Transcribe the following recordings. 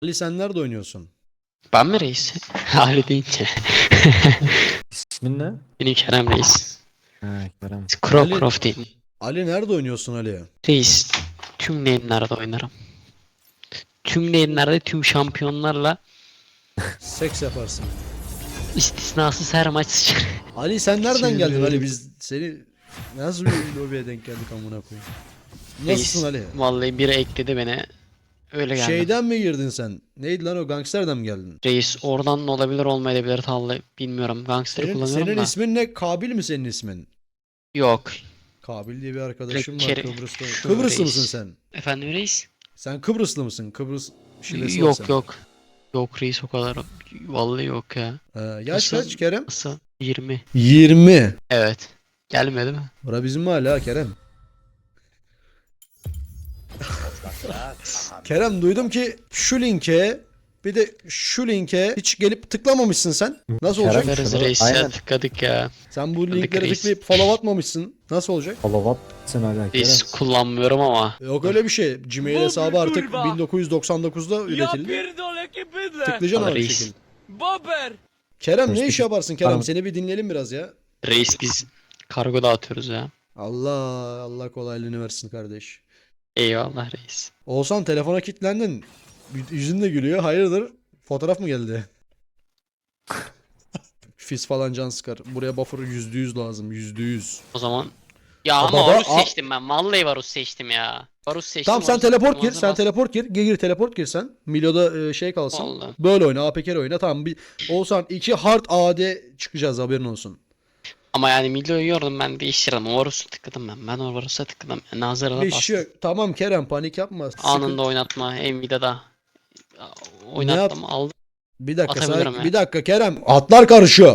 Ali sen nerede oynuyorsun? Ben mi reis? Ali deyince. İsmin ne? Benim Kerem reis. Ha, Kerem. Ali, Croft değil. Ali nerede oynuyorsun Ali? Reis. Tüm lane'lerde oynarım. Tüm lane'lerde tüm şampiyonlarla Seks yaparsın. istisnasız her maç sıçrar. Ali sen nereden Şimdi geldin Ali? böyle- Biz seni nasıl bir lobiye denk geldik amına koyayım? Nasılsın Ali? Vallahi biri ekledi beni. Öyle geldim. Şeyden mi girdin sen? Neydi lan o gangsterden mi geldin? Reis oradan da olabilir olmayabilir vallahi bilmiyorum. Gangster kullanıyorum Senin da. ismin ne? Kabil mi senin ismin? Yok. Kabil diye bir arkadaşım var Direkt Kıbrıs'ta. şu Kıbrıslı reis. mısın sen? Efendim reis? Sen Kıbrıslı mısın? Kıbrıs şivesi var senin. Yok. Yok reis o kadar. Vallahi yok ya. Yaş Nasıl? kaç Kerem? Nasıl? 20. 20. Evet. Gelmedi mi? Bura bizim mahalle ha Kerem. Kerem duydum ki şu linke bir de şu linke hiç gelip tıklamamışsın sen. Nasıl Kerem- olacak? Tıklarız şunu- reis ya aynen. tıkladık ya. Sen bu Tıkladık linkleri reis. tıklayıp follow atmamışsın. Nasıl olacak? Salavat sen hala Kerem. Reis kullanmıyorum ama. Yok öyle bir şey. Gmail hesabı artık 1999'da üretildi. pierdolę che bydlę! Tıklayacaksın abi bir Reis. şekilde. Bober! Kerem ne Reis, iş yaparsın Kerem? Tamam. Seni bir dinleyelim biraz ya. Reis biz kargo dağıtıyoruz ya. Allah kolaylığını versin kardeş. Eyvallah reis. Oğuzhan telefona kilitlendin. Yüzün de gülüyor. Hayırdır? Fotoğraf mı geldi? Fizz falan can sıkar. Buraya buffer %100 lazım. %100. O zaman. Ya Aa, ama baba, Varus aa. seçtim ben. Vallahi Varus seçtim ya. Varus seçtim. Tamam sen Varus teleport seçtim, gir. Sen Varus teleport gir. Gir teleport gir sen. Milo'da şey kalsın. Vallahi. Böyle oyna. APK oyna. Tamam. Oğuzhan 2 hard AD çıkacağız haberin olsun. Ama yani Milo'yu yordum ben değiştirdim. O Varus'u tıkladım ben. Ben o Varus'a tıkladım. Yani hazırla Bir bastım. şey yok. Tamam Kerem panik yapma. Anında oynatma. Nvidia'da. Oynattım aldım. Bir dakika Atabilirim ya. bir dakika Kerem. Atlar karışıyor.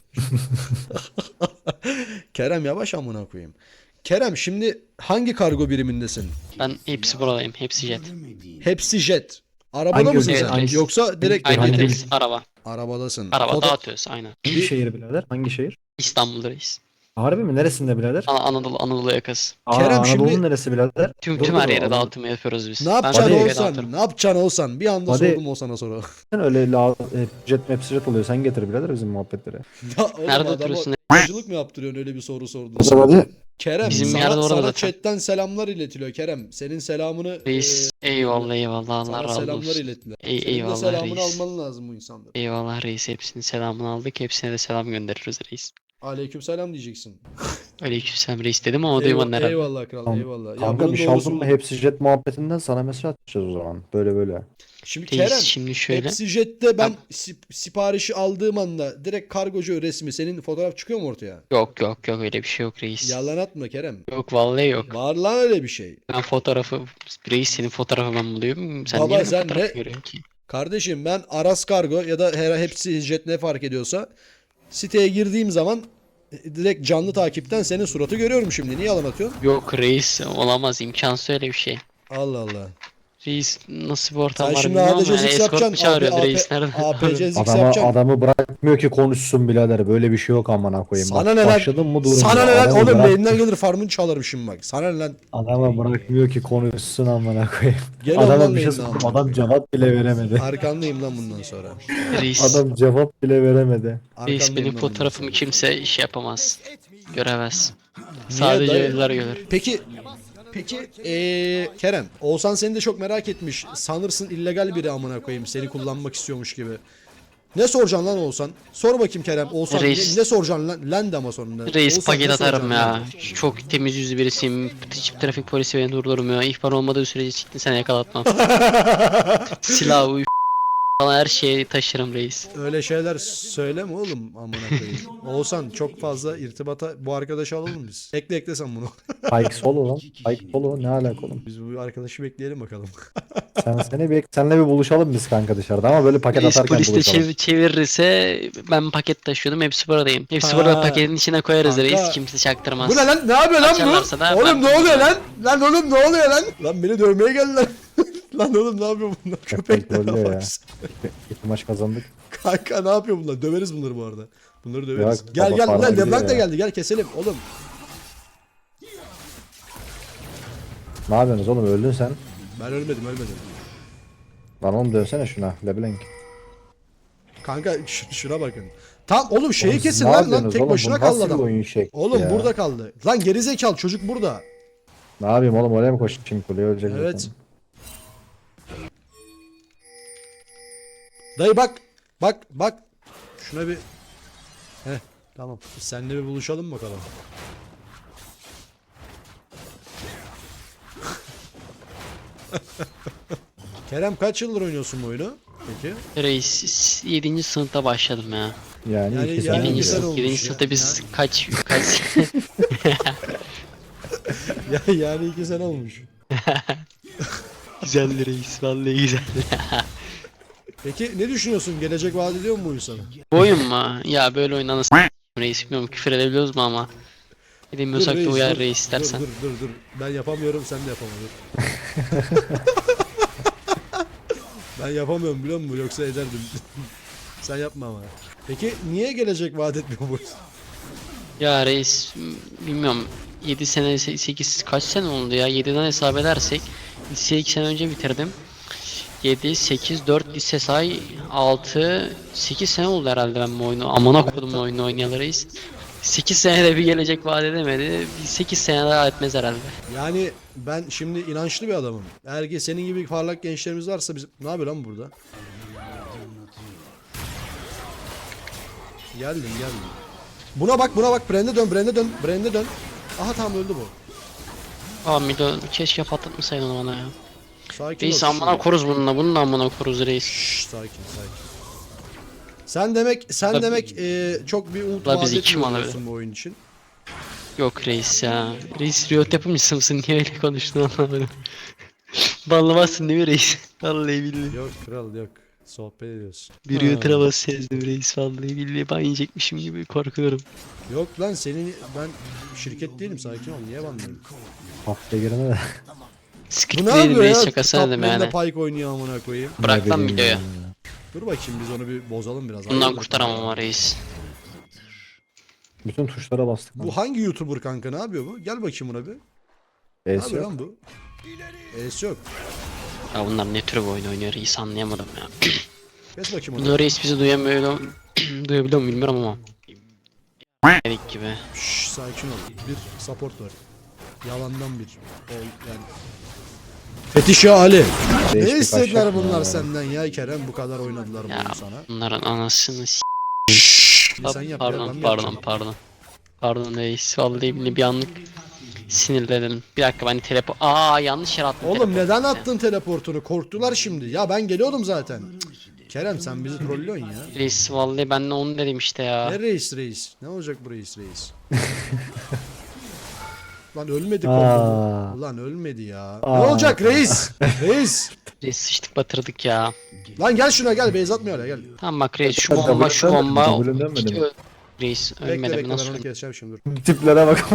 Kerem yavaş amına koyayım. Kerem şimdi hangi kargo birimindesin? Ben hepsi buradayım. Hepsi jet. Hepsi jet. Arabada Hangi mısın ülke? sen? Hangi- Yoksa direkt Aynen Hangi- reis. Araba. arabadasın. Araba Foto- dağıtıyoruz aynen. Hangi şehir birader? Hangi şehir? İstanbul'da reis. Harbi mi? Neresinde birader? Anadolu yakası. Kerem Anadolu'nun şimdi- neresi birader? Tüm Dur, her dur, yere Anadolu- dağıtımı yapıyoruz biz. Ne yapacaksın Hadi. Türkiye'ye olsan? dağıtırım. Ne yapacaksın olsan? Bir anda Hadi. sordum olsana soru. Sen öyle jet map jet oluyor. Sen getir birader bizim muhabbetlere. Ya oğlum Nerede adama oturuyorsun? Acılık mı yaptırıyorsun öyle bir soru sordun? Hadi. Kerem Bizim sana, yerde orada sana zaten. chatten selamlar iletiliyor Kerem. Senin selamını Reis. Eyvallah Allah sana razı selamlar olsun. ilettiler. Senin de Eyvallah selamını reis. alman lazım bu insanların. Eyvallah reis. Hepsinin selamını aldık. Hepsine de selam göndeririz reis. Aleykümselam diyeceksin. Aleykümselam reis dedim ama duymadın herhalde. Eyvallah kral Tamam. eyvallah. Ya Kanka bunun bir şey doğrusu aldın mı bu. hepsi jet muhabbetinden sana mesaj atacağız o zaman. Böyle. Şimdi Reis Kerem şimdi şöyle. hepsi jette ben siparişi aldığım anda direkt kargocu resmi senin fotoğraf çıkıyor mu ortaya? Yok öyle bir şey yok reis. Yalan atma Kerem. Yok vallahi yok. Var lan öyle bir şey. Ben fotoğrafı reis senin fotoğrafı ben buluyorum. Sen Baba, niye benim sen fotoğrafı ne- görüyorsun ki? Kardeşim ben Aras Kargo ya da hepsi jet ne fark ediyorsa siteye girdiğim zaman direkt canlı takipten senin suratı görüyorum şimdi. Niye yalan atıyorsun? Yok reis olamaz imkansız öyle bir şey. Allah Allah. Reis nasıl bir ortam Sen var şimdi bilmiyorum ADC ama Zix escort mu yapacaksın. çağırıyordu reis nerede? APC Zix Adamı, yapacaksın. adamı bırakmıyor ki konuşsun birader. Böyle bir şey yok amına koyayım. Sana Bak, ne lan? başladın mı durun. Sana ne lan? Adamı Oğlum bırak- elimden gelir farmını çalarım şimdi bak. Sana ne lan? Adamı bırakmıyor ki konuşsun amına koyayım. Gel Adama ondan bir şey neyim lan? sordum. Adam cevap bile veremedi. Arkandayım lan bundan sonra. Reis, Adam cevap bile veremedi. reis Arkandayım benim lan bundan fotoğrafımı sonra. kimse iş yapamaz. Göremez. Sadece dayı? ölüler görür. Peki Kerem, Oğuzhan seni de çok merak etmiş. Sanırsın illegal biri amına koyayım. Seni kullanmak istiyormuş gibi. Ne soracaksın lan Oğuzhan? Sor bakayım Kerem. Oğuzhan Reis. ne soracaksın lan? Lan de ama sonunda. Reis Oğuzhan, paket ne atarım soracaksın ya. lan? Çok temiz yüzlü birisiyim. Hiç trafik polisi beni durdurmuyor. İhbar olmadığı sürece çıktın sen yakalatmam. Silah, uyuşturucu falan her şeyi taşırım reis. Öyle şeyler söyleme oğlum amına koyayım. Oğuzhan çok fazla irtibata bu arkadaşı alalım biz. Ekle sen bunu. Pike solo lan. Pike solo ne alaka oğlum? Biz bu arkadaşı bekleyelim bakalım. Senle bir buluşalım biz kanka dışarıda ama böyle paket Reis atarken polis de buluşalım. çevirirse ben paket taşıyordum. Hepsi buradayım. Hepsi Ha. burada paketin içine koyarız Kanka. reis. Kimse çaktırmaz. Bu ne lan? Ne yapıyor lan Açarlarsa da bu? Oğlum ben- ne oluyor lan? Lan oğlum ne oluyor lan? Lan beni dövmeye geldiler. Lan oğlum ne yapıyor bunlar? Köpekler trollüyor ya. bak. İki maç kazandık. Kanka ne yapıyor bunlar? Döveriz bunları bu arada. Bunları döveriz. Ya, Gel baba gel para lan gidiyor Leblanc da ya. geldi. Gel keselim oğlum. Ne yapıyorsunuz oğlum öldün sen? Ben ölmedim. Lan oğlum dönsene şuna. LeBlanc. Kanka şuna bakın. Tam oğlum şeyi Oğlum siz kesin ne lan yapıyorsunuz tek oğlum? başına Bu kaldı nasıl bir adam. oyun şekli Oğlum ya? burada kaldı. Lan gerizekalı çocuk burada. Ne yapayım oğlum, oraya mı koşayım, kuleye ölecek Evet. zaten. Dayı bak. Bak. Şuna bir. Heh tamam. Biz seninle bir buluşalım bakalım. Kerem kaç yıldır oynuyorsun bu oyunu? Peki. Reis 7. sınıfta başladım ya. Yani, Yani- 2 yani sene iki önce. sene olmuş 7. ya. sınıfta biz kaç Yani 2 sene olmuş. güzeldi reis vallahi güzel. Peki ne düşünüyorsun? Gelecek vaat ediyor mu bu oyun sana? Bu oyun mu? Ya böyle oyun anasını reis bilmiyorum küfür edebiliyoruz mu ama. Edemiyorsak da reis, uyar dur. reis istersen. Dur. Ben yapamıyorum, sen de yapamadın. Ben yapamıyorum biliyor musun? Yoksa ederdim. Sen yapma ama. Peki niye gelecek vaat etmiyor bu? Ya reis bilmiyorum 7 sene 8 kaç sene oldu ya 7'den hesap edersek liseyi 2 sene önce bitirdim. 7, 8, 4 lise say 6, 8 sene oldu herhalde ben bu oyunu. Amına koydum bu oyunu oynayalı reis. 8 senede bir gelecek vaat edemedi. 8 sene daha etmez herhalde. Yani ben şimdi inançlı bir adamım. Eğer ki senin gibi parlak gençlerimiz varsa biz... Ne yapıyor lan burada? Geldim. Buna bak. Brand'e dön. Aha tamam öldü bu. Aa Milo keşke patlatmasaydın onu bana ya. Sakin Reis ol. amına koruz bununla. Bunu da amına koruz reis. Şşş, sakin. Sen demek çok bir umut La vaat bizi kim etmiyorsun bu oyun için. Yok reis ya. Reis Riot yapımcısı mısın? Niye öyle konuştun anlamadım. Banlamazsın değil mi reis? Vallahi billahi. Yok kral yok. Sohbet ediyoruz. Bir Riot arabası sezdim reis. Vallahi billahi ban yiyecekmişim gibi korkuyorum. Yok lan senin ben şirket değilim, sakin ol. Niye banlıyorum? Haftaya girene de. Bu Script ne değilim yapıyor reis ya? şakasına dedim Top lane'de yani. Pyke oynuyor amına koyayım. Bırak lan Ne bileyim videoyu. ya. Dur bakayım biz onu bir bozalım biraz. Bundan Hayırdır? kurtaramam ama reis. Bütün tuşlara bastık. Bu hangi YouTuber kanka, ne yapıyor bu? Gel bakayım buna bir. Ne Es yapıyor yok. lan bu? Es yok. Ya bunlar ne tür bir oyun oynuyor reis anlayamadım ya. Kes bakayım onu. Bunu reis bizi duyamıyor. Duyabiliyor mu bilmiyorum ama. Dedik gibi. Şşş, sakin ol. Bir support var. Yalandan bir. Yani. Fetişe Ali. Ne Değişik istediler aşağı bunlar ya. senden ya Kerem? Bu kadar oynadılar Ya bunu sana. bunların anasını s***. Sen yap ya, ben mi Pardon. yapacağım? Pardon reis. Vallahi billahi bir anlık sinirlendim. Bir dakika ben yanlış yere attım Oğlum teleportu. neden attın teleportunu? Korktular şimdi. Ya ben geliyordum zaten. Kerem sen bizi trollüyorsun ya. Reis vallahi ben de onu dedim işte ya. Ne reis? Ne olacak bu reis? Lan ölmedi Aa. kombo. Ulan ölmedi ya. Ne Aa. olacak reis? Reis. Reis sıçtık batırdık ya. Lan gel şuna gel. Beyz atmıyor hala gel. Tamam bak reis şu Hadi bomba şu W'den bomba. W'den Hiç mi? Reis Bekle ölmedi mi bekle ben nasıl onu ölmedi? keseceğim şimdi dur. Tiplere bak.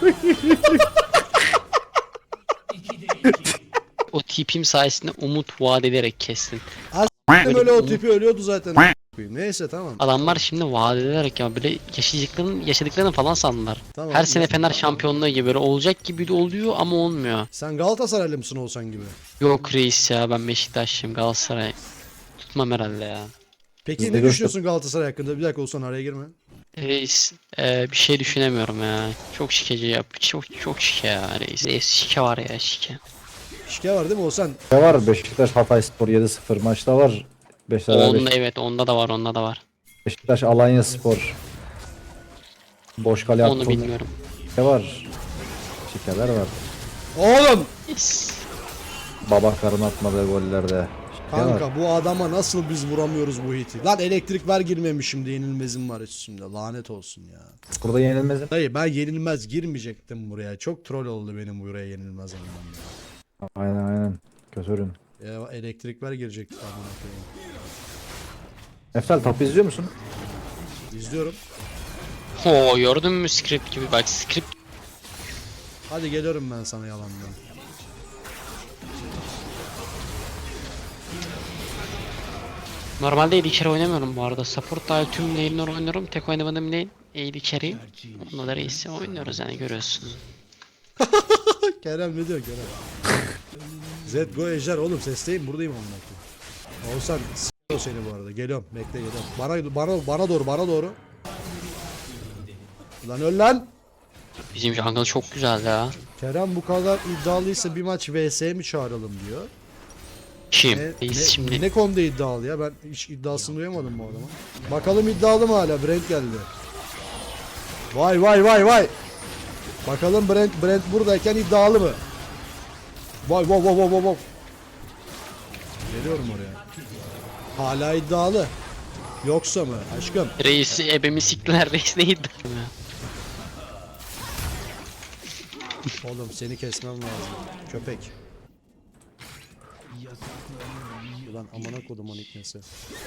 O tipim sayesinde umut vaat ederek kestin. Benim öyle o tipi ölüyordu zaten. Neyse tamam. Adamlar şimdi vaat ederek ya böyle yaşadıklarını falan sandılar. Tamam. Her sene Fener şampiyonluğu gibi böyle olacak gibi de oluyor ama olmuyor. Sen Galatasaraylı mısın olsan gibi? Yok reis ya ben Beşiktaşlıyım Galatasaray. Tutmam herhalde ya. Peki Biz de ne göster- düşünüyorsun Galatasaray hakkında? Bir dakika olsan araya girme. Reis bir şey düşünemiyorum ya. Çok şikeci yap. Çok şike ya reis. Reis şike var ya şike. Şike var değil mi olsan? Ne var? Beşiktaş Hatayspor 7-0 maçta var. Onda evet onda da var. Beşiktaş Alanyaspor. Boş kale Onu attı. bilmiyorum. Ne var? Şikeler var. Oğlum! Yes. Babakar'ın atmadığı gollerde. Şike var. Kanka bu adama nasıl biz vuramıyoruz bu hiti? Lan elektrik ver girmemişim de yenilmezim var üstümde. Lanet olsun ya. Burada yenilmez. Dayı ben yenilmez girmeyecektim buraya. Çok troll oldu benim buraya yenilmez olmam ya. Aynen. Kötürün. Ya elektrik ver girecektik amına koyayım. Eftel top izliyor musun? İzliyorum. Oo gördün mü script gibi bak script. Hadi geliyorum ben sana yalandan. Normalde AD carry oynamıyorum bu arada. Support dahil tüm lane'ler oynuyorum. Tek oynamadığım lane AD carry. Onunla da reis oynuyoruz yani görüyorsun. Kerem ne diyor Kerem? Zed go ejder oğlum sesteyim buradayım amına koyayım. Oğuzhan s***o seni bu arada. Geliyorum. Bekle geliyorum. Bana doğru. Lan öl lan. Bizim jungle çok güzel ya. Kerem bu kadar iddialıysa bir maç vs mi çağıralım diyor. Kim? Reis şimdi. Ne konuda iddialı ya? Ben hiç iddiasını duyamadım bu adamın. Bakalım iddialı mı hala? Brent geldi. Vay. Bakalım Brent buradayken iddialı mı? Vay. Geliyorum oraya. Hala iddialı. Yoksa mı aşkım? Reis ebemi siktiler. Reis neydi? Oğlum seni kesmem lazım. Köpek. Ulan amına kodumun iknesi.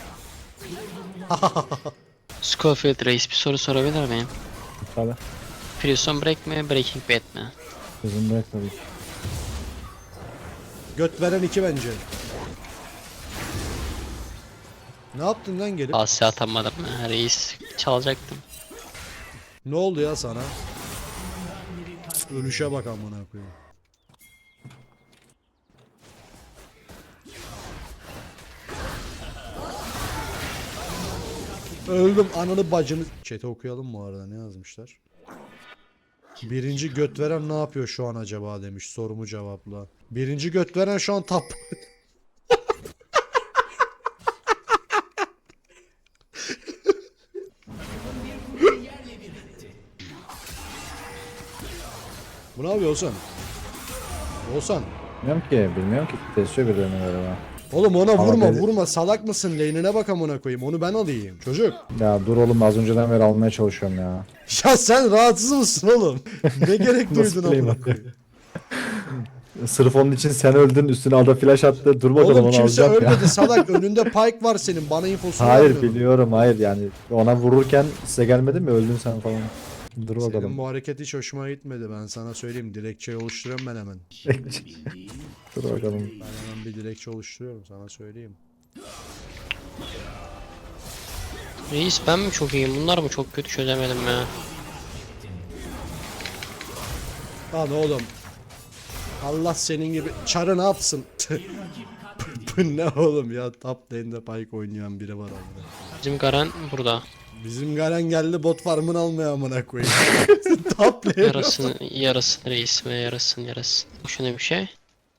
Scofield Reis bir soru sorabilir miyim? Tabii. Prison Break mi? Breaking Bad mi? Bizim bırak tabii ki. Göt veren 2 bence. Ne yaptın lan gelip? Asya atamadım. Ha, Reis çalacaktım. Ne oldu ya sana? Ölüşe bak amına koyayım. Öldüm ananı bacını. Chat'i okuyalım bu arada ne yazmışlar? Birinci göt veren ne yapıyor şu an acaba demiş sorumu cevapla. Birinci göt veren şu an tap. Bu ne yapıyor Oğuzhan? Oğuzhan. Bilmiyorum ki. Kesiyor birilerini galiba. Oğlum ona Ama vurma beni- vurma salak mısın lane'ine bak amına koyayım onu ben alayım çocuk. Ya dur oğlum az önceden beri almaya çalışıyorum ya. Ya sen rahatsız mısın oğlum? Ne gerek Nasıl duydun play'im amına koyayım? Sırf onun için sen öldün üstüne ada flash attı. Dur bakalım Oğlum onu kimse alacağım ya. ölmedi salak önünde Pyke var senin bana infosunu Hayır vermiyorsun. biliyorum hayır yani ona vururken size gelmedi mi öldün sen falan. Dur Senin bakalım. bu hareket hiç hoşuma gitmedi ben sana söyleyeyim dilekçe oluşturuyorum ben hemen. Dur bakalım. Ben hemen bir dilekçe oluşturuyorum sana söyleyeyim. Reis ben mi çok iyiyim? Bunlar mı çok kötü çözemedim ya. Lan oğlum. Allah senin gibi çarı ne yapsın? Bu ne oğlum ya top lane'de Pyke oynayan biri var orada. Bizim Garen burada. Bizim Garen geldi bot farmını almaya amına koyayım. Top lane. Yarasın reis ve yarasın. Şuna bir şey.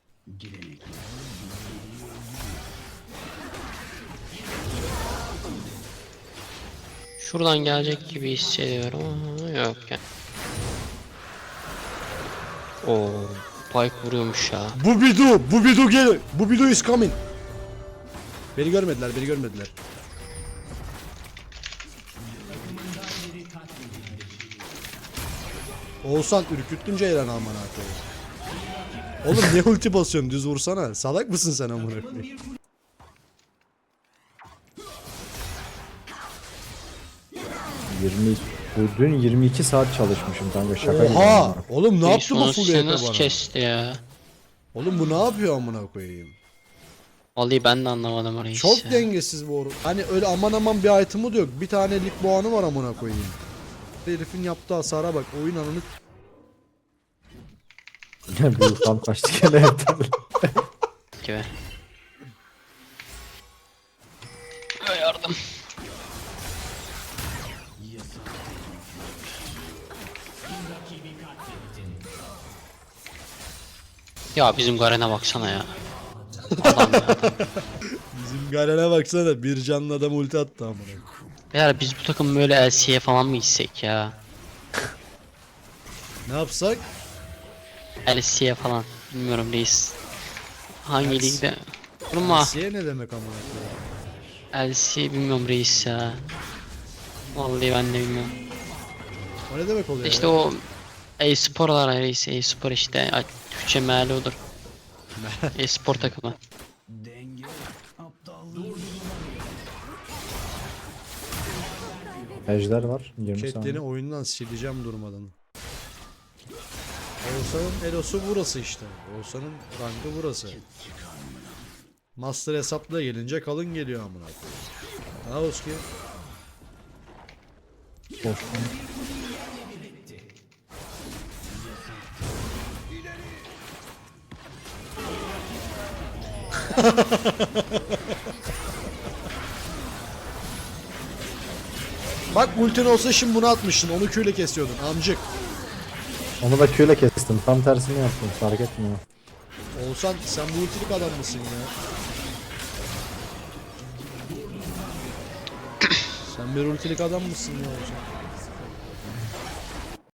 Şuradan gelecek gibi hissediyorum ama yok ya. Oo, Pyke vuruyormuş ya. Bu bidu gel. Bu bidu is coming. Beni görmediler. Oğuzhan ürküttün Ceylan amına koyayım. Oğlum niye ulti basıyorsun düz vursana. Salak mısın sen amına koyayım? Dün 22 saat çalışmışım kanka şaka gibi. Oha! Oğlum ne Reis yaptı bu onu full size HP nasıl bana? kesti ya? Oğlum bu ne yapıyor amına koyayım? Vallahi ben de anlamadım reis Çok ya. dengesiz bu oru. Hani öyle aman bir item'ı da yok. Bir tane lig boğanı var amına koyayım. Herifin yaptığı hasara bak. Oyun ananı Büyük tam kaçtı gene hepten. Gibi. Yardım. Ya bizim Garen'e baksana ya. Adam ya. bizim Garen'e baksana. Bir canlı adam ulti attı amına koyayım. Beyler biz bu takım böyle LC'ye falan mı gitsek ya? Ne yapsak? LC'ye falan. Bilmiyorum reis. Hangi LC? ligde? Durma. Siye ne demek amına koyayım? LC bilmiyorum reis ya. Vallahi ben de bilmiyorum. O ne demek oluyor İşte ya? o e-sporlar reis. E-spor işte. Türkçe meali odur. E-spor takımı. Ejder var 20 Chat'ini saniye. oyundan sileceğim durmadan. Oğuzhan'ın elosu burası işte. Oğuzhan'ın rankı burası. Master hesapla gelince kalın geliyor amına koyayım. Ha Oski. Boş. Bak ultin olsa şimdi bunu atmıştın. Onu Q'yle kesiyordun amcık. Onu da Q'yle kestim. Tam tersini yaptım. Fark etmiyor. Oğuzhan sen bu ultilik adam mısın ya? Sen bir ultilik adam mısın ya Oğuzhan?